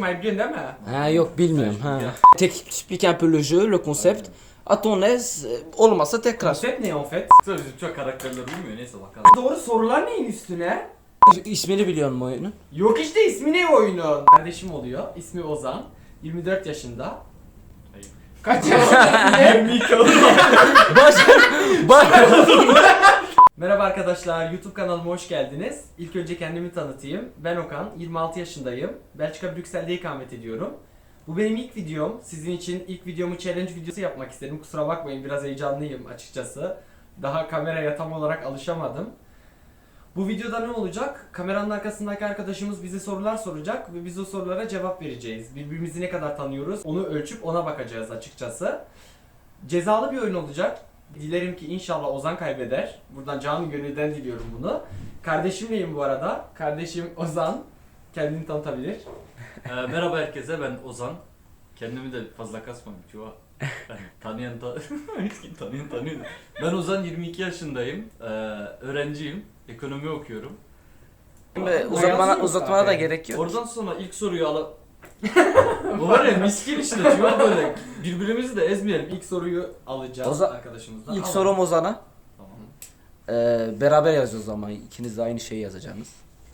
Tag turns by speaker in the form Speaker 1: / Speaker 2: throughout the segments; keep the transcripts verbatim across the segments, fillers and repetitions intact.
Speaker 1: yazmayı biliyorsun değil mi?
Speaker 2: Ha yok bilmiyorum ha. T'explique un peu le jeu, le concept. À ton aise, olmasa tekrar.
Speaker 1: Konsept ne en fait?
Speaker 3: Tabii bizim çok karakterler uymuyor, neyse bakalım.
Speaker 1: Doğru sorular neyin üstüne?
Speaker 2: İsmini biliyor musun oyunun?
Speaker 1: Yok işte ismi ne oyunun? Kardeşim oluyor. İsmi Ozan. yirmi dört yaşında.
Speaker 3: Hayır.
Speaker 1: Kaç yaşında?
Speaker 3: yirmi iki oldu.
Speaker 2: Baş... Baş...
Speaker 1: Merhaba arkadaşlar, YouTube kanalıma hoş geldiniz. İlk önce kendimi tanıtayım. Ben Okan, yirmi altı yaşındayım. Belçika Brüksel'de ikamet ediyorum. Bu benim ilk videom. Sizin için ilk videomu challenge videosu yapmak istedim. Kusura bakmayın, biraz heyecanlıyım açıkçası. Daha kameraya tam olarak alışamadım. Bu videoda ne olacak? Kameranın arkasındaki arkadaşımız bize sorular soracak ve biz o sorulara cevap vereceğiz. Birbirimizi ne kadar tanıyoruz onu ölçüp ona bakacağız açıkçası. Cezalı bir oyun olacak. Dilerim ki inşallah Ozan kaybeder. Buradan canı gönülden diliyorum bunu. Kardeşimleyim bu arada. Kardeşim Ozan. Kendini tanıtabilir.
Speaker 3: Ee, merhaba herkese, ben Ozan. Kendimi de fazla kasmam çoğu. Yani tanıyan ta hiç kim tanıyan tanıyor. Ben Ozan, yirmi iki yaşındayım. Ee, öğrenciyim. Ekonomi okuyorum.
Speaker 2: Uzatmana, uzatmana da gerek yok.
Speaker 3: Oradan sonra ilk soruyu ala... Bu var ya miskin işte çoğu böyle. Birbirimizi de ezmeyelim.
Speaker 1: İlk soruyu alacağız
Speaker 2: Ozan-
Speaker 1: arkadaşımızdan.
Speaker 2: İlk
Speaker 1: Al.
Speaker 2: sorum Ozan'a.
Speaker 3: Tamam.
Speaker 2: Ee, beraber yazıyoruz ama ikiniz de aynı şeyi yazacaksınız.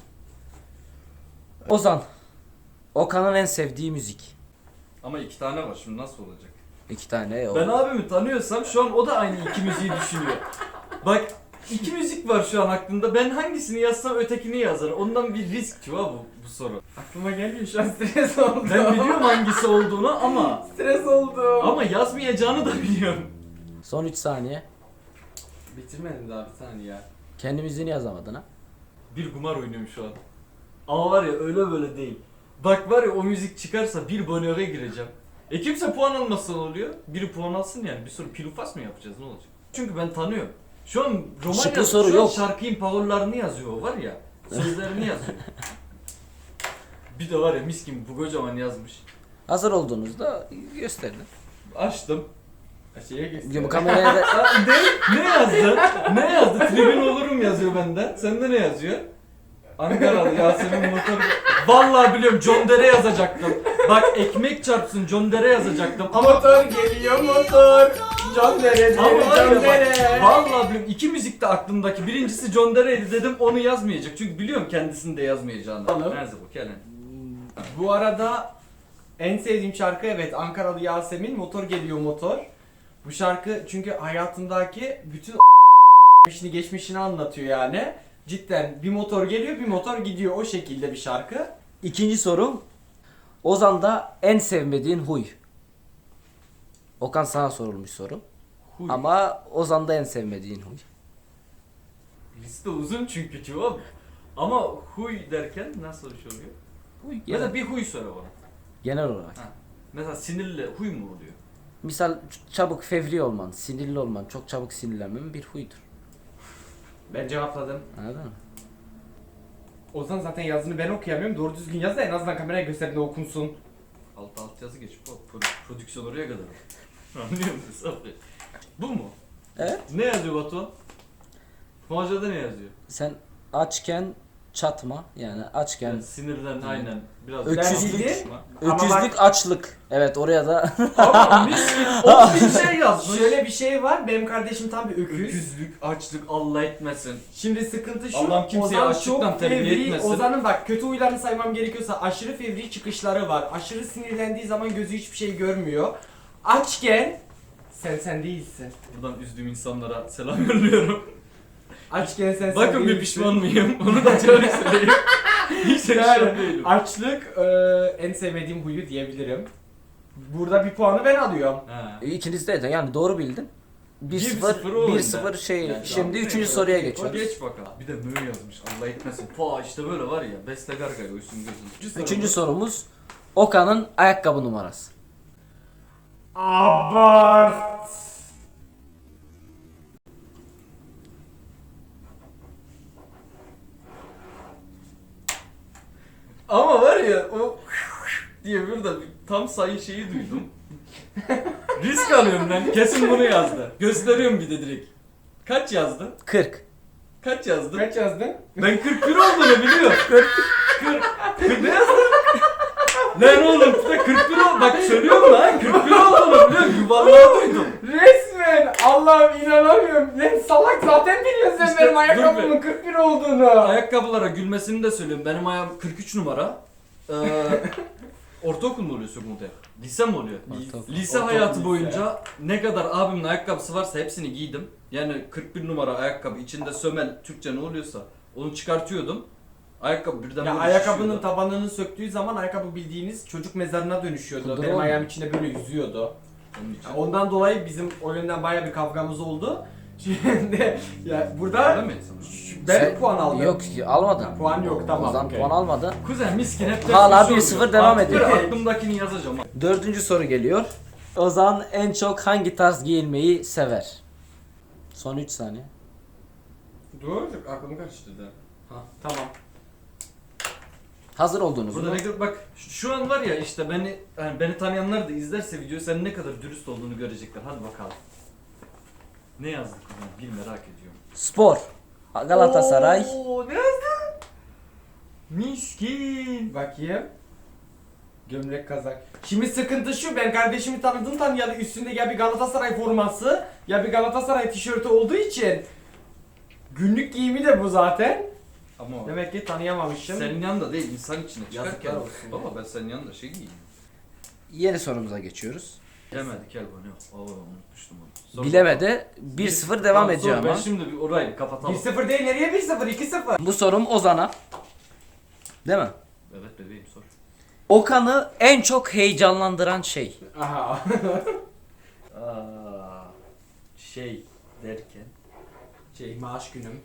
Speaker 2: Ozan. Okan'ın en sevdiği müzik.
Speaker 3: Ama iki tane var, şimdi nasıl olacak?
Speaker 2: İki tane. O.
Speaker 3: Ben abimi tanıyorsam şu an o da aynı iki müziği düşünüyor. Bak, iki müzik var şu an aklımda. Ben hangisini yazsam ötekini yazar. Ondan bir risk çoğu bu, bu soru.
Speaker 1: Aklıma gelmiyor şu an, stres oldum.
Speaker 3: Ben biliyorum hangisi olduğunu ama
Speaker 1: Stres oldum.
Speaker 3: ama yazmayacağını da biliyorum.
Speaker 2: Son üç saniye.
Speaker 1: Bitirmedim daha bir saniye ya.
Speaker 2: Kendi müziğini yazamadın ha.
Speaker 3: Bir kumar oynuyorum şu an. Ama var ya öyle böyle değil. Bak var ya o müzik çıkarsa bir bonöre gireceğim. E kimse puan almazsa ne oluyor? Biri puan alsın yani. Bir soru pilufas mı yapacağız, ne olacak? Çünkü ben tanıyorum. Şu an roman
Speaker 2: Şıklı
Speaker 3: yaz,
Speaker 2: soru
Speaker 3: şu an
Speaker 2: yok.
Speaker 3: şarkının parollarını yazıyor var ya. Sözlerini yazıyor. Bir de var ya mis gibi bu kocaman yazmış.
Speaker 2: Hazır olduğunuzda gösterin.
Speaker 3: Açtım.
Speaker 1: Şeye geçsin.
Speaker 2: Diyorum kameraya da...
Speaker 3: Aa, ne, ne yazdı? Ne yazdı? Tribün olurum yazıyor bende. Sende ne yazıyor? Ankaralı Yasemin motor. Vallahi biliyorum, John Dere yazacaktım. Bak ekmek çarpsın, John Dere yazacaktım ama
Speaker 1: Motor geliyor motor. John Dere,
Speaker 3: ama var ya
Speaker 1: John
Speaker 3: bak,
Speaker 1: Dere.
Speaker 3: vallahi biliyorum, iki müzik de aklımdaki. Birincisi John Dere'ydi dedim, onu yazmayacak. Çünkü biliyorum kendisini de yazmayacağını.
Speaker 1: Tamam.
Speaker 3: Nerede bu Kelen?
Speaker 1: Bu arada en sevdiğim şarkı evet Ankaralı Yasemin, Motor Geliyor Motor. Bu şarkı çünkü hayatındaki bütün geçmişini geçmişini anlatıyor yani. Cidden bir motor geliyor bir motor gidiyor, o şekilde bir şarkı.
Speaker 2: İkinci sorum. Ozan'da en sevmediğin huy. Okan sana sorulmuş soru.
Speaker 3: Huy.
Speaker 2: Ama Ozan'da en sevmediğin huy.
Speaker 3: Liste uzun çünkü cevap. Ama huy derken nasıl bir şey oluyor?
Speaker 2: Huy
Speaker 3: Ya
Speaker 2: genel,
Speaker 3: da bir huy söyle bana.
Speaker 2: genel olarak.
Speaker 3: Ha. Mesela sinirli huy mu oluyor?
Speaker 2: Misal çabuk fevri olman, sinirli olman, çok çabuk sinirlenmen bir huydur.
Speaker 1: Ben cevapladım.
Speaker 2: Anladın mı?
Speaker 1: Ozan zaten yazını ben okuyamıyorum. Doğru düzgün yaz da en azından kameraya gösterdiğinde okunsun.
Speaker 3: Alt alt yazı geç. Bu produ- prodüksiyon oraya kadar. Anlıyor musun Sabri? Bu mu?
Speaker 2: Evet.
Speaker 3: Ne yazıyor Batuhan? Muhacir'de ne yazıyor?
Speaker 2: Sen açken çatma, yani açken
Speaker 3: Yani sinirden aynen biraz
Speaker 2: Öküzlük.
Speaker 3: konuşma.
Speaker 1: Ama
Speaker 2: öküzlük,
Speaker 1: bak-
Speaker 2: açlık. Evet, oraya da
Speaker 3: Ama mis gibi on bin şey yazmış.
Speaker 1: Şöyle bir şey var, benim kardeşim tam bir öküz.
Speaker 3: Öküzlük, açlık, Allah etmesin.
Speaker 1: Şimdi sıkıntı şu,
Speaker 3: Allah'ım kimseyi
Speaker 1: Ozan
Speaker 3: açlıktan
Speaker 1: çok
Speaker 3: terbiye
Speaker 1: fevri,
Speaker 3: etmesin.
Speaker 1: Ozan'ın bak kötü huylarını saymam gerekiyorsa aşırı fevri çıkışları var. Aşırı sinirlendiği zaman gözü hiçbir şey görmüyor. Açken sen sen değilsin.
Speaker 3: Buradan üzdüğüm insanlara selam yolluyorum.
Speaker 1: Açken sen sen
Speaker 3: Bakın bir
Speaker 1: değilsin.
Speaker 3: pişman mıyım? Onu da şöyle söyleyeyim. Hiç pişman
Speaker 1: Yani
Speaker 3: değilim.
Speaker 1: açlık e, en sevmediğim huyu diyebilirim. Burada bir puanı ben alıyorum.
Speaker 3: Ha.
Speaker 2: ikiniz de yani doğru bildin. bir
Speaker 3: bir
Speaker 2: sıfır
Speaker 3: sıfır o
Speaker 2: bir
Speaker 3: oyunda.
Speaker 2: sıfır şey.
Speaker 3: Yani
Speaker 2: Şimdi
Speaker 3: tamam,
Speaker 2: üçüncü
Speaker 3: neyse.
Speaker 2: soruya
Speaker 3: O
Speaker 2: geçiyoruz.
Speaker 3: geç bakalım. Bir de mö yazmış, Allah etmesin. Pa işte böyle var ya, Beste Gargay uysun gözün.
Speaker 2: Üçüncü sorumuz Okan'ın ayakkabı numarası.
Speaker 1: Abart.
Speaker 3: Ama var ya o diye burada bir tam sayı şeyi duydum. Risk alıyorum ben. Kesin bunu yazdı. Gösteriyorum bir de direkt. Kaç yazdın?
Speaker 2: kırk.
Speaker 3: Kaç yazdın?
Speaker 1: Kaç yazdın?
Speaker 3: Ben kırk bir olduğunu biliyorum. kırk. kırk. Ne yazdın? Lan oğlum bir de kırk bir oldu. Bak söylüyorum lan kırk bir olduğunu biliyorum. Yuvarlağı duydum.
Speaker 1: Resmen Allah'ım inanamıyorum. Lan salak zaten biliyorsun sen
Speaker 3: İşte,
Speaker 1: benim
Speaker 3: dur
Speaker 1: ayakkabımın
Speaker 3: be.
Speaker 1: kırk bir olduğunu.
Speaker 3: Ayakkabılara gülmesini de söylüyorum. Benim ayağım kırk üç numara. Ee, ortaokul mu oluyor sekonder? Lise mi oluyor?
Speaker 2: Ortaokul.
Speaker 3: Lise
Speaker 1: Ortaokul,
Speaker 3: hayatı
Speaker 1: lise.
Speaker 3: boyunca ne kadar abimin ayakkabısı varsa hepsini giydim. Yani kırk bir numara ayakkabı içinde sömel Türkçe ne oluyorsa onu çıkartıyordum. Ayakkabı birden
Speaker 1: Ya
Speaker 3: böyle
Speaker 1: ayakkabının
Speaker 3: şişiyordu.
Speaker 1: tabanını söktüğü zaman ayakkabı bildiğiniz çocuk mezarına dönüşüyordu.
Speaker 2: Kudura
Speaker 1: Benim
Speaker 2: mı?
Speaker 1: ayağım içinde böyle yüzüyordu.
Speaker 3: Onun için.
Speaker 1: Ya ondan dolayı bizim o yönden baya bir kavgamız oldu. Şimdi ya
Speaker 3: Öyle
Speaker 1: burada
Speaker 3: mi?
Speaker 1: şu- ben
Speaker 2: Sen-
Speaker 1: puan aldım.
Speaker 2: Yok almadın.
Speaker 1: Ha, puan yok, tamam,
Speaker 2: Ozan
Speaker 1: okey.
Speaker 2: puan almadı.
Speaker 3: Kuzen miskin hep de
Speaker 2: Hala
Speaker 3: suçu
Speaker 2: bir sıfır
Speaker 3: oluyor.
Speaker 2: devam
Speaker 3: Artık
Speaker 2: ediyor.
Speaker 3: böyle aklımdakini yazacağım.
Speaker 2: Dördüncü soru geliyor. Ozan en çok hangi tarz giyinmeyi sever? Son üç saniye.
Speaker 1: Dur, aklımı karıştırdı. Ha, tamam.
Speaker 2: Hazır olduğunuz
Speaker 3: Burada
Speaker 2: mu?
Speaker 3: ne kadar bak şu- şu an var ya işte beni yani beni tanıyanlar da izlerse videoyu sen ne kadar dürüst olduğunu görecekler. Hadi bakalım. Ne yazdık kuzen? Bir merak ediyorum.
Speaker 2: Spor. Galatasaray.
Speaker 3: Oo, ne yazdın? Miskin.
Speaker 1: Bakayım. Gömlek kazak. Şimdi sıkıntı şu, ben kardeşimi tanıdığım tanıyalı üstünde ya bir Galatasaray forması ya bir Galatasaray tişörtü olduğu için günlük giyimi de bu zaten.
Speaker 3: Ama
Speaker 1: Demek ki tanıyamamışım.
Speaker 3: senin yanında değil insan içine çıkarken.
Speaker 1: Yazıklar olsun.
Speaker 3: Baba ben senin yanında şey giyeyim.
Speaker 2: Yeni sorumuza geçiyoruz.
Speaker 3: Bilemedik gel bana. Oo unutmuştum onu. Sor
Speaker 2: Bilemedi. bir sıfır devam
Speaker 3: Tamam,
Speaker 2: ediyor
Speaker 3: sor. Ben
Speaker 2: ama.
Speaker 3: şimdi bir orayı kapatalım.
Speaker 1: bir sıfır değil, nereye bir sıfır? iki sıfır.
Speaker 2: Bu sorum Ozan'a. Değil mi?
Speaker 3: Evet bebeğim sor.
Speaker 2: Okan'ı en çok heyecanlandıran şey.
Speaker 1: Aha.
Speaker 3: Aa, şey derken
Speaker 1: Şey, maaş günüm.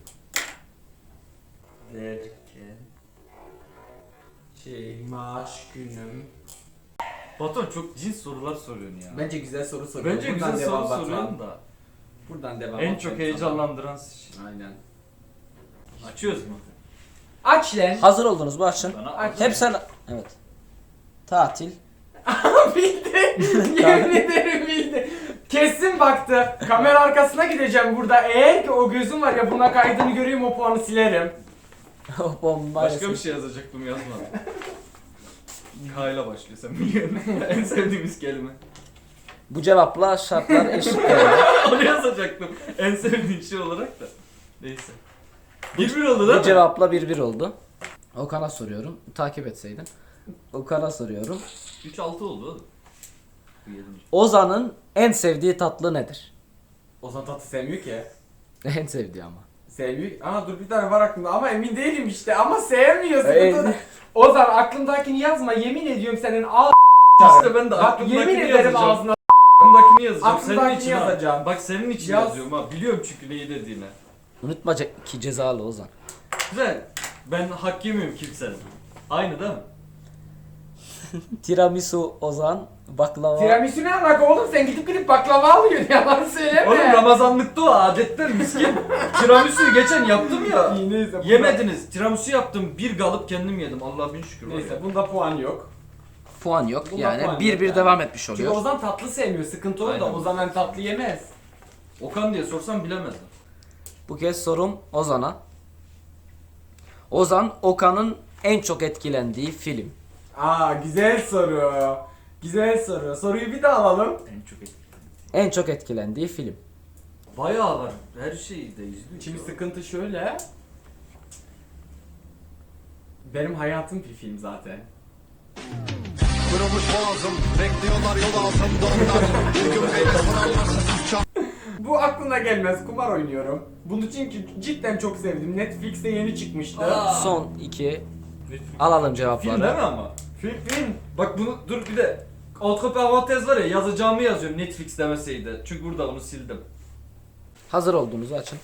Speaker 3: derken
Speaker 1: Şey, maaş günüm.
Speaker 3: Batuhan çok cins sorular soruyorsun ya.
Speaker 1: Bence güzel soru soruyorsun.
Speaker 3: Bence
Speaker 1: Buradan
Speaker 3: güzel soru
Speaker 1: devam Batuhan.
Speaker 3: soruyorsun da.
Speaker 1: Buradan devam.
Speaker 3: En
Speaker 1: Batuhan
Speaker 3: çok
Speaker 1: sana.
Speaker 3: heyecanlandıran şey.
Speaker 1: Aynen.
Speaker 3: Açıyoruz mu?
Speaker 1: Aç lan.
Speaker 2: Hazır oldunuz mu açın.
Speaker 3: Bana
Speaker 1: Aç.
Speaker 3: aç.
Speaker 2: Hep sen... Evet. Tatil.
Speaker 1: Bildi. Yemin ederim bildi. Kesin baktı. Kamera arkasına gideceğim burada. Eğer ki o gözüm var ya buna kaydını göreyim o puanı silerim.
Speaker 2: O bomba.
Speaker 3: Başka bir şey yazacaktım yazmadım. K ile başlıyor sen biliyorsun. En sevdiğimiz kelime.
Speaker 2: Bu cevapla şartlar eşit geldi.
Speaker 3: Onu yazacaktım. En sevdiğin şey olarak da. Neyse. Bir bir oldu değil
Speaker 2: Bu
Speaker 3: mi?
Speaker 2: cevapla bir bir oldu. Okan'a soruyorum. Takip etseydin. Okan'a soruyorum.
Speaker 3: üç altı oldu oğlum. Bu yedinci.
Speaker 2: Ozan'ın en sevdiği tatlı nedir?
Speaker 1: Ozan tatlı sevmiyor ki.
Speaker 2: En sevdiği ama.
Speaker 1: Sevmiyor. Aa dur bir tane var aklımda ama emin değilim işte ama sevmiyor.
Speaker 2: Ee,
Speaker 1: Sıkıntı. Ozan aklımdakini yazma yemin ediyorum senin ağ
Speaker 3: İşte ben de
Speaker 1: Bak
Speaker 3: aklımdakini
Speaker 1: yemin ederim
Speaker 3: yazacağım.
Speaker 1: ağzına
Speaker 3: Aklımdakini yazacağım. Senin
Speaker 1: Aklımdakini
Speaker 3: için ha.
Speaker 1: yazacağım.
Speaker 3: Bak senin için
Speaker 1: Yaz.
Speaker 3: yazıyorum ha. Biliyorum çünkü neyi dediğini.
Speaker 2: Unutma ce- ki cezalı Ozan.
Speaker 3: Güzel. Ben hak yemiyorum kimsenin. Aynı değil mi?
Speaker 2: Tiramisu Ozan, baklava.
Speaker 1: Tiramisu ne alaka oğlum sen gidip gidip baklava alıyorsun yalan söyleme.
Speaker 3: Oğlum Ramazanlıkta o adetler miskin. Tiramisu'yu geçen yaptım ya.
Speaker 1: İyi, neyse, bunda-
Speaker 3: Yemediniz. Tiramisu yaptım. Bir galıp kendim yedim. Allah'a bin şükür. var ya.
Speaker 1: Neyse bunda puan yok.
Speaker 2: Puan yok.
Speaker 1: Bunda
Speaker 2: Yani
Speaker 1: puan
Speaker 2: bir
Speaker 1: yok
Speaker 2: bir
Speaker 1: yani.
Speaker 2: devam etmiş
Speaker 1: Çünkü
Speaker 2: oluyor.
Speaker 1: Ozan tatlı sevmiyor sıkıntı o da
Speaker 3: Aynen.
Speaker 1: Ozan hani tatlı yemez.
Speaker 3: Okan diye sorsam bilemezdim.
Speaker 2: Bu kez sorum Ozan'a. Ozan, Okan'ın en çok etkilendiği film.
Speaker 1: Aa güzel soru. Güzel soru. Soruyu bir daha alalım.
Speaker 3: En çok etkiledim.
Speaker 2: En çok etkilendiği film.
Speaker 3: Bayağı var. Her şeyi de izliyor.
Speaker 1: Şimdi sıkıntı şöyle. Benim hayatım bir film zaten.
Speaker 4: Kırılmış boğazım, bekliyorlar yol altında onlar. Bir gün beni sorarlarsa
Speaker 1: Bu aklına gelmez. Kumar oynuyorum. Bunu çünkü cidden çok sevdim. Netflix'te yeni çıkmıştı.
Speaker 3: Aa.
Speaker 2: Son iki.
Speaker 3: Netflix.
Speaker 2: Alalım
Speaker 3: Film
Speaker 2: cevapları.
Speaker 3: değil mi ama?
Speaker 1: Film film.
Speaker 3: Bak bunu dur bir de alt parantez var ya yazacağımı yazıyorum Netflix demeseydi. Çünkü burada onu sildim.
Speaker 2: Hazır olduğunuzu açın.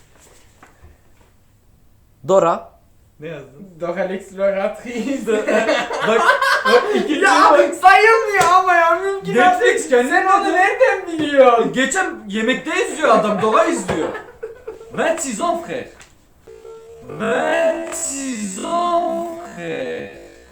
Speaker 2: Dora.
Speaker 3: Ne yazdın?
Speaker 1: Dora l'exploratrice.
Speaker 3: bak bak ikinci
Speaker 1: ya
Speaker 3: bak.
Speaker 1: sayılmıyor ama ya mümkün
Speaker 3: Netflix kendi
Speaker 1: Sen onu nereden biliyorsun?
Speaker 3: Geçen yemekte izliyor adam, Dora izliyor. vingt six ans frère. vingt six ans frère.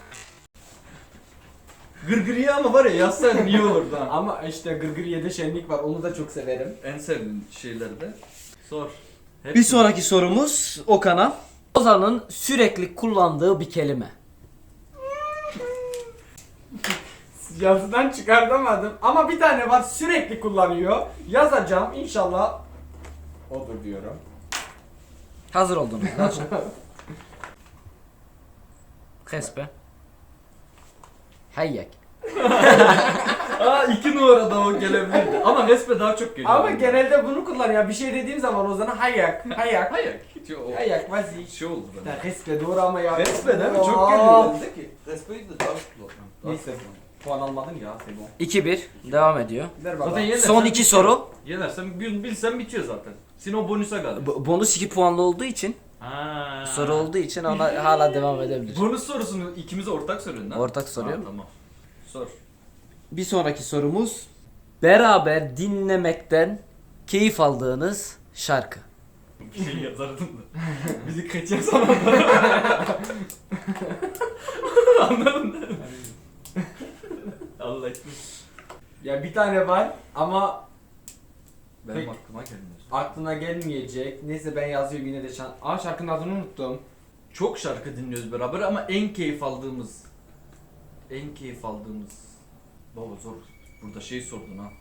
Speaker 3: Gırgırıya ama var ya yazsan iyi olurdu ha.
Speaker 1: Ama işte Gırgırye'de şenlik var. Onu da çok severim.
Speaker 3: En sevdiğin şeyleri de sor. Hep
Speaker 2: Bir sonraki sorumuz Okan'a. Ozan'ın sürekli kullandığı bir kelime.
Speaker 1: Yazıdan çıkartamadım. Ama bir tane var sürekli kullanıyor. Yazacağım inşallah. Odur diyorum.
Speaker 2: Hazır oldunuz. Aç. Kespe. Hayyak.
Speaker 3: Aa iki numarada o gelebilirdi. Ama resme daha çok geliyor.
Speaker 1: Ama genelde bunu kullanıyor. Bir şey dediğim zaman Ozan'a hayak. Hayak.
Speaker 3: Hayır. Hiç o
Speaker 1: Hayak vazi.
Speaker 3: şey oldu bende.
Speaker 1: Ya resme doğru ama ya.
Speaker 3: Resme değil mi?
Speaker 1: Aa.
Speaker 3: Çok geliyor bende ki. Resmeyi de daha kullanıyorum.
Speaker 1: Neyse. Puan almadın ya Sebo.
Speaker 2: iki bir. Devam ediyor.
Speaker 1: Ver baba.
Speaker 3: Zaten yenersen
Speaker 2: Son iki
Speaker 3: bitiyor.
Speaker 2: soru.
Speaker 3: Yenersen bil, bilsen bitiyor zaten. Senin o bonusa kaldı.
Speaker 2: B- bonus iki puanlı olduğu için,
Speaker 3: Ha.
Speaker 2: soru olduğu için ona hala devam edebilir.
Speaker 3: Bonus sorusunu ikimiz ortak soruyorsun lan.
Speaker 2: Ortak soruyorum.
Speaker 3: Ha, tamam. Sor.
Speaker 2: Bir sonraki sorumuz, beraber dinlemekten keyif aldığınız şarkı.
Speaker 3: Bir şey yazardım da. Bizi kaçıyor sana. Anladın mı? Allah etmiş.
Speaker 1: Ya bir tane var ama
Speaker 3: Benim
Speaker 1: Peki.
Speaker 3: aklıma gelmiyor.
Speaker 1: aklına gelmeyecek. Neyse ben yazıyorum yine de şan. Aa şarkının adını unuttum.
Speaker 3: Çok şarkı dinliyoruz beraber ama en keyif aldığımız en keyif aldığımız baba zor. Burada şey sordun ha.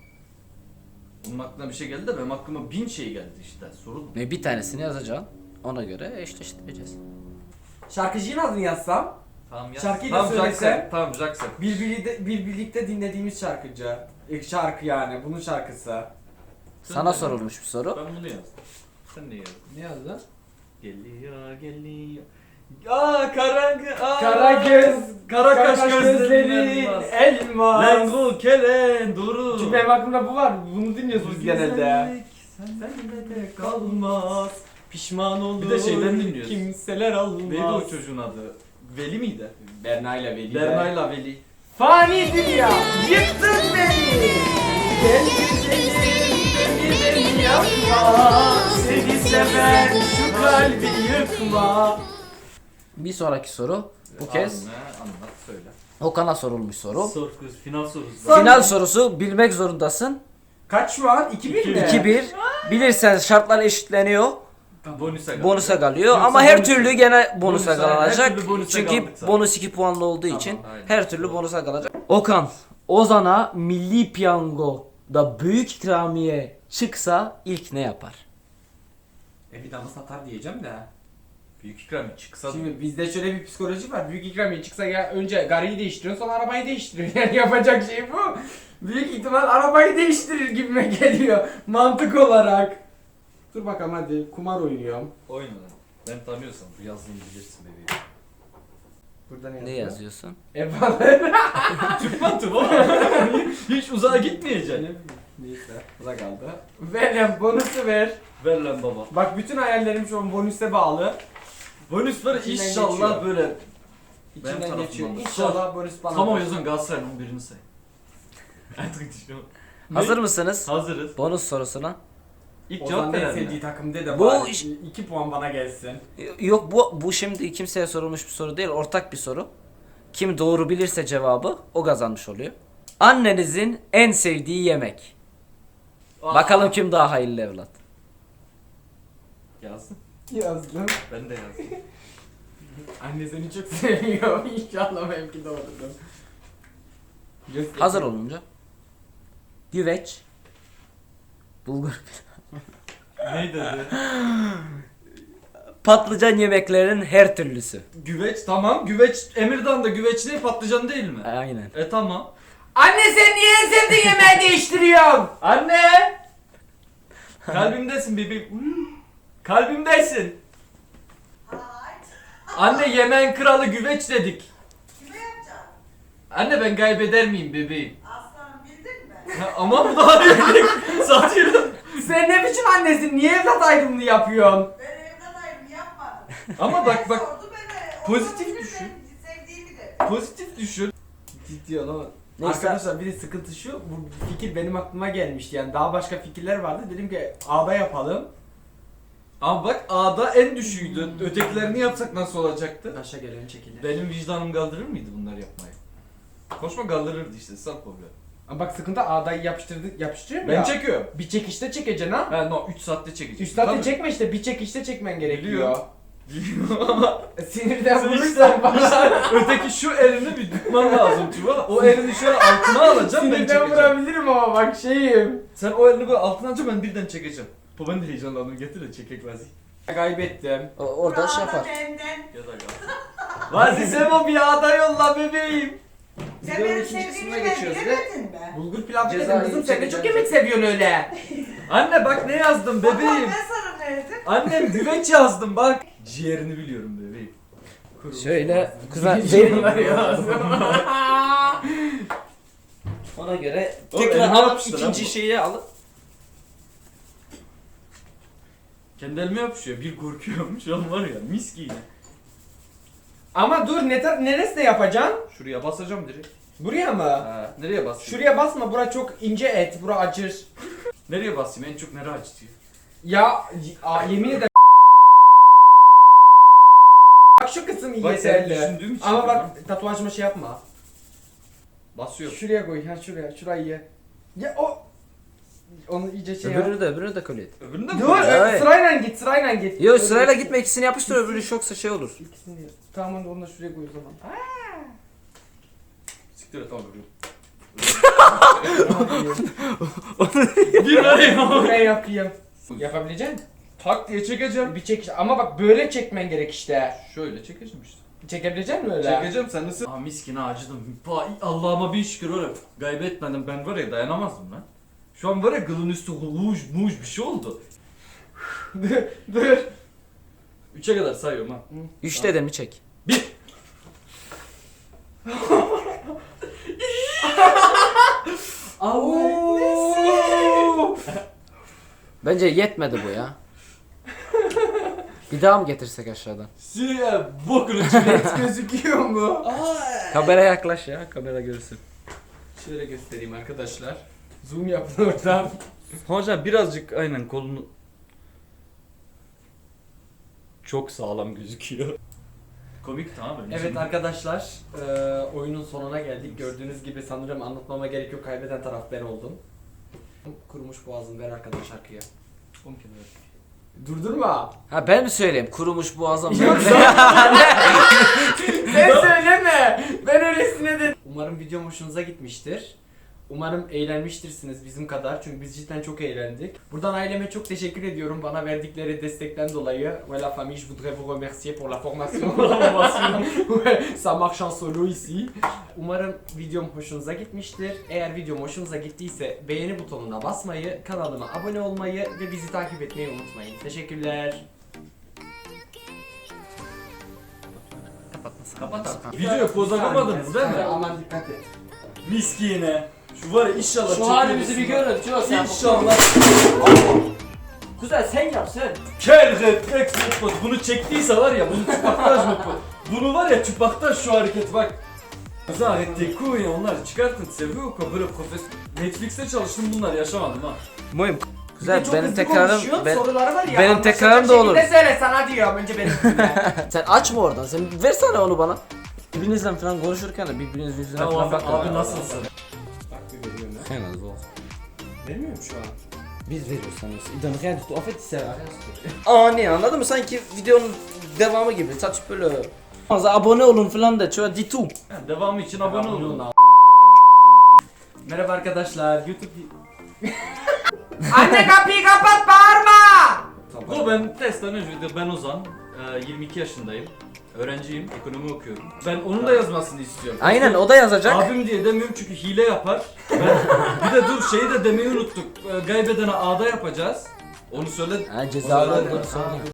Speaker 3: Onun aklına bir şey geldi de benim aklıma bin şey geldi işte. Sorun.
Speaker 2: Ne bir tanesini yazacaksın. Ona göre eşleştireceğiz.
Speaker 1: Şarkıcının adını yazsam.
Speaker 3: Tamam ya.
Speaker 1: Şarkıyı da
Speaker 3: tamam,
Speaker 1: söylesem.
Speaker 3: Jackson. Tamam Jackson.
Speaker 1: Bir, birlikte, bir birlikte dinlediğimiz şarkıcı. İlk şarkı yani bunun şarkısı.
Speaker 2: Sana sorulmuş bir soru.
Speaker 3: Ben bunu yazdım. Sen ne yazdın?
Speaker 1: Ne yazdın?
Speaker 3: Geliyor geliyor. Aa kara aa,
Speaker 1: Kara göz,
Speaker 3: kara kaş
Speaker 1: kaş
Speaker 3: gözlerin
Speaker 1: gözleri,
Speaker 3: elmas.
Speaker 1: elmas.
Speaker 3: Lengu kelen duru.
Speaker 1: Çünkü benim aklımda bu var. Bunu dinliyoruz biz genelde.
Speaker 3: Sende de kalmaz.
Speaker 1: Pişman olur.
Speaker 3: Bir de şeyden dinliyoruz.
Speaker 1: Kimseler almaz.
Speaker 3: Neydi o çocuğun adı? Veli miydi?
Speaker 1: Berna ile Veli.
Speaker 3: Berna'yla Veli.
Speaker 1: Fani dünya, yıktın beni. Gel güzelim, beni beni yakma. Seni seven şu kalbi yıkma.
Speaker 2: Bir sonraki soru. Bu kez
Speaker 3: Anla, anlat söyle.
Speaker 2: Okan'a sorulmuş soru.
Speaker 3: Sor kız, final sorusu.
Speaker 1: Sor.
Speaker 2: Final sorusu, bilmek zorundasın.
Speaker 1: Kaç şu an? iki bir mi?
Speaker 2: iki bir. Bilirsen şartlar eşitleniyor.
Speaker 3: Bonusa kaldı.
Speaker 2: Bonusa kalıyor
Speaker 3: Yoksa
Speaker 2: ama her
Speaker 3: bonus-
Speaker 2: türlü gene bonusa
Speaker 3: bonusa- her
Speaker 2: kalacak.
Speaker 3: türlü bonusa
Speaker 2: Çünkü
Speaker 3: kaldık zaten.
Speaker 2: bonus iki puanlı olduğu
Speaker 3: Tamam,
Speaker 2: için
Speaker 3: aynen.
Speaker 2: her türlü
Speaker 3: Doğru.
Speaker 2: bonusa kalacak. Okan, Ozan'a milli piyangoda büyük ikramiye çıksa ilk ne yapar?
Speaker 1: E bir damla satar diyeceğim de.
Speaker 3: Büyük ikram çıksa.
Speaker 1: Şimdi bizde şöyle bir psikoloji var. Büyük ikramiye çıksa ya önce gariyi değiştiriyorsun sonra arabayı değiştiriyor. Yani yapacak şey bu. Büyük ihtimal arabayı değiştirir gibime geliyor. Mantık olarak. Dur bakalım hadi kumar oynuyorum.
Speaker 3: Oyna lan. Ben tanıyorsam bu yazdığını bilirsin bebeğim.
Speaker 1: Burada ne
Speaker 2: Ne
Speaker 1: yazıyor?
Speaker 2: yazıyorsun?
Speaker 1: Evalar.
Speaker 3: Türk mantığı baba. Hiç uzağa gitmeyeceksin.
Speaker 1: Neyse. Bu da kaldı. Ver lan bonusu ver.
Speaker 3: Ver lan baba.
Speaker 1: Bak bütün hayallerim şu an bonüse bağlı.
Speaker 3: Bonus var
Speaker 1: İçinden
Speaker 3: inşallah
Speaker 1: geçiyor.
Speaker 3: böyle. Benim
Speaker 1: İçinden
Speaker 3: tarafımdan
Speaker 1: geçiyor.
Speaker 3: da.
Speaker 1: İnşallah bonus bana.
Speaker 3: Tam o yazan Galatasaray'ın on birini say. Artık düşünüyorum.
Speaker 2: Hazır mısınız?
Speaker 3: Hazırız.
Speaker 2: Bonus sorusuna.
Speaker 3: İlk
Speaker 1: Ozan
Speaker 3: cevap
Speaker 1: en
Speaker 3: veren
Speaker 1: sevdiği
Speaker 3: mi?
Speaker 1: takım de de
Speaker 2: Bu
Speaker 1: bari.
Speaker 2: iş-
Speaker 1: iki puan bana gelsin.
Speaker 2: Yok bu bu şimdi kimseye sorulmuş bir soru değil, ortak bir soru. Kim doğru bilirse cevabı o kazanmış oluyor. Annenizin en sevdiği yemek.
Speaker 3: Aa,
Speaker 2: Bakalım kim daha hayırlı evlat.
Speaker 3: Yazdım.
Speaker 1: Yazdım.
Speaker 3: Ben de yazdım.
Speaker 1: Anne seni çok seviyor. İnşallah benimki doğrudur. Göster.
Speaker 2: Hazır olunca. Güveç. Bulgur.
Speaker 3: ne dedi?
Speaker 2: Patlıcan yemeklerin her türlüsü.
Speaker 3: Güveç tamam. Güveç Emirdan'da güveç ne patlıcan değil mi?
Speaker 2: Aynen.
Speaker 3: E tamam.
Speaker 1: Anne sen niye en sevdiğin yemeği değiştiriyorsun?
Speaker 3: Anne! Kalbimdesin bebeğim. Kalbimdesin. Anne yemeğin kralı güveç dedik.
Speaker 5: Kime yapacaksın?
Speaker 3: Anne ben kaybeder miyim bebeğim?
Speaker 5: Aslanım bildin mi?
Speaker 3: Ha, ama bu daha değil. Satıyorum.
Speaker 1: Sen ne biçim annesin? Niye evlat ayrımını yapıyorsun?
Speaker 5: Ben evlat ayrımı yapmadım.
Speaker 3: Ama bak
Speaker 5: Ben
Speaker 3: bak
Speaker 5: sordu, ben de
Speaker 3: pozitif
Speaker 5: onu
Speaker 3: düşün.
Speaker 5: ben Sevdiğimi de.
Speaker 3: pozitif düşün.
Speaker 1: Ciddi olan.
Speaker 2: Neyse.
Speaker 1: Arkadaşlar bir de sıkıntı şu, bu fikir benim aklıma gelmişti yani daha başka fikirler vardı dedim ki A'da yapalım.
Speaker 3: Ama bak A'da en düşüğüydü. Ötekilerini yapsak nasıl olacaktı?
Speaker 1: Taşa gelen çekilir.
Speaker 3: Benim vicdanım kaldırır mıydı bunları yapmayı? Koşma kaldırırdı işte sal problem.
Speaker 1: Ama bak sıkıntı A'dayı yapıştırdık yapıştırıyorum
Speaker 3: Ben
Speaker 1: ya.
Speaker 3: çekiyorum.
Speaker 1: Bir çekişte çekeceksin ha.
Speaker 3: Ha no üç saatte çekeceğim.
Speaker 1: üç saatte
Speaker 3: Tabii.
Speaker 1: çekme işte bir çekişte çekmen gerekiyor.
Speaker 3: Biliyorum. Ama
Speaker 1: Sinirden
Speaker 3: sen
Speaker 1: vurursan
Speaker 3: işte
Speaker 1: bana.
Speaker 3: öteki şu elini bir tutman lazım Tuba. O elini şöyle altına alacağım ben
Speaker 1: Sinirden
Speaker 3: çekeceğim.
Speaker 1: vurabilirim ama bak şeyim.
Speaker 3: Sen o elini böyle altına alacaksın ben birden çekeceğim. Bu ben de heyecanlandım getir de çekek Vazi.
Speaker 1: Kaybettim.
Speaker 2: O, orada şey yapar.
Speaker 5: Benden.
Speaker 3: Ya da kalsın.
Speaker 1: Vazi Sebo bir yağda yolla bebeğim.
Speaker 5: Sen
Speaker 2: Videonun
Speaker 5: benim
Speaker 2: ikinci kısmına
Speaker 5: sevdiğimi ben
Speaker 2: geçiyoruz ve
Speaker 5: bilemedin be.
Speaker 1: Bulgur pilavı
Speaker 2: Cezayı
Speaker 1: dedim kızım sen de çok
Speaker 2: çekeceğim.
Speaker 1: yemek seviyorsun öyle.
Speaker 3: Anne bak ne yazdım
Speaker 5: Bebeğim.
Speaker 3: bebeğim.
Speaker 5: Ben sana verdim.
Speaker 3: Annem güveç yazdım bak. Ciğerini biliyorum bebeğim.
Speaker 2: Şöyle kuzen
Speaker 1: Bunlar
Speaker 2: verin.
Speaker 1: ya.
Speaker 2: Ona göre
Speaker 3: Oğlum,
Speaker 2: tekrar
Speaker 3: elime
Speaker 2: alıp
Speaker 3: yapıştı lan
Speaker 2: ikinci
Speaker 3: bu.
Speaker 2: şeyi alıp
Speaker 3: Kendi elime yapışıyor. Bir korkuyorum şu an var ya mis gibi.
Speaker 1: Ama dur ne tar- neresine yapacaksın?
Speaker 3: Şuraya basacağım direkt.
Speaker 1: Buraya mı?
Speaker 3: Ha, nereye basayım?
Speaker 1: Şuraya basma bura çok ince et bura acır.
Speaker 3: Nereye basayım en çok nereye acıtıyor?
Speaker 1: Ya y- a, yemin ederim. Bak şu kısım iyi
Speaker 3: Bak sen
Speaker 1: yeterli.
Speaker 3: düşündüğüm için.
Speaker 1: Ama bak tatuajıma şey yapma.
Speaker 3: Basıyorum.
Speaker 1: Şuraya koy ha şuraya şurayı ye. Ya o onu iyice şey yap.
Speaker 2: öbürünü de öbürünü de kabul et.
Speaker 3: Öbüründe mi?
Speaker 1: Dur
Speaker 2: Evet.
Speaker 1: e, sırayla git sırayla git.
Speaker 2: Yo
Speaker 1: Öbür-
Speaker 2: sırayla gitme ikisini yapıştır öbürü şoksa şey olur.
Speaker 1: İkisini de. Tamam hadi onu da şuraya koy o zaman.
Speaker 3: Siktir et tamam öbürü.
Speaker 1: Bir
Speaker 3: Bir var ya.
Speaker 1: ben yapayım. Yapabilecek misin?
Speaker 3: Tak diye çekeceğim.
Speaker 1: Bir çek ama bak böyle çekmen gerek işte.
Speaker 3: Şöyle çekeceğim işte.
Speaker 1: Çekebilecek misin öyle?
Speaker 3: Çekeceğim sen nasıl? Aa miskine acıdım. Pa- Allah'ıma bin şükür var ya. Kaybetmedim ben var ya dayanamazdım lan. Şu an var ya gılın üstü huş muş bir şey oldu.
Speaker 1: dur dur.
Speaker 3: Üçe kadar sayıyorum ha.
Speaker 2: Üçte de mi çek?
Speaker 1: Oo.
Speaker 2: Bence yetmedi bu ya. Bir daha mı getirsek aşağıdan?
Speaker 3: Süreye bokunu çıkıyor.
Speaker 1: Et gözüküyor mu?
Speaker 2: Kamera yaklaş ya, kamera görsün.
Speaker 1: Şöyle göstereyim arkadaşlar. Zoom yapın oradan.
Speaker 3: Hocam birazcık aynen kolunu çok sağlam gözüküyor. Komik tamam mı?
Speaker 1: Evet arkadaşlar, eee, oyunun sonuna geldik. Gördüğünüz gibi sanırım anlatmama gerek yok. Kaybeden taraf ben oldum. Kurumuş boğazım ver arkadaş şarkıya. Durdurma.
Speaker 2: Ha ben mi söyleyeyim? Kurumuş boğazım.
Speaker 1: Yok Sen söyleme. Ben öylesine de. Umarım videom hoşunuza gitmiştir. Umarım eğlenmiştirsiniz bizim kadar. Çünkü biz cidden çok eğlendik. Buradan aileme çok teşekkür ediyorum. Bana verdikleri destekten dolayı. Ve la famille, je voudrais vous remercier pour la formation. Ouais, ça marche en solo ici. Umarım videom hoşunuza gitmiştir. Eğer videom hoşunuza gittiyse beğeni butonuna basmayı, kanalıma abone olmayı ve bizi takip etmeyi unutmayın. Teşekkürler.
Speaker 3: Kapat artık. Videoya poz alamadınız değil mi?
Speaker 1: Aman dikkat et.
Speaker 3: Miskine. Şu var ya inşallah
Speaker 2: Şu
Speaker 3: çekilir
Speaker 2: halimizi bir
Speaker 3: misin?
Speaker 2: görün. Şu sen.
Speaker 3: İnşallah.
Speaker 2: Kuzen sen yap sen.
Speaker 3: Kerret Rex Mutfak. Bunu çektiyse var ya bunu çupaktaj mutfak. Bunu var ya çupaktaj şu hareket bak. Zahette kuyu onlar çıkartın seviyor ko böyle profes Netflix'te çalıştım bunlar yaşamadım ha.
Speaker 2: Muhim.
Speaker 1: Bir de
Speaker 2: Güzel
Speaker 1: çok
Speaker 2: benim
Speaker 1: hızlı
Speaker 2: tekrarım
Speaker 1: konuşuyorsun,
Speaker 2: ben,
Speaker 1: soruları var ya,
Speaker 2: benim
Speaker 1: anlaşılacak
Speaker 2: tekrarım da olur.
Speaker 1: şekilde söyle sana diyorum önce benim üstüme.
Speaker 2: sen açma oradan. Sen versene onu bana. Birbirinizle falan konuşurken de birbirinizin yüzüne
Speaker 3: Tamam
Speaker 2: falan
Speaker 3: abi,
Speaker 2: bakın.
Speaker 3: abi nasılsın?
Speaker 1: Bak bir veriyorum ya.
Speaker 2: En az olsun.
Speaker 1: Vermiyorum şu an.
Speaker 2: Biz veriyoruz sanıyorsun. İdan rien du tout. En fait c'est Aa ne anladın mı? Sanki videonun devamı gibi. Saç böyle. Fazla abone olun falan da. Şöyle di tout.
Speaker 3: Yani devamı için abone olun.
Speaker 1: Merhaba arkadaşlar, YouTube... Anne kapıyı kapat, bağırma!
Speaker 3: Bu ben testten önce de ben Ozan, e, yirmi iki yaşındayım. Öğrenciyim, ekonomi okuyorum. Ben onun da yazmasını istiyorum.
Speaker 2: Aynen o da yazacak.
Speaker 3: Abim diye demiyorum çünkü hile yapar. Ben, bir de dur şeyi de demeyi unuttuk. E, Kaybedene A'da yapacağız. Onu söyle.
Speaker 2: Ha cezalı
Speaker 1: O zaman-
Speaker 2: olduğunu söyleyeyim.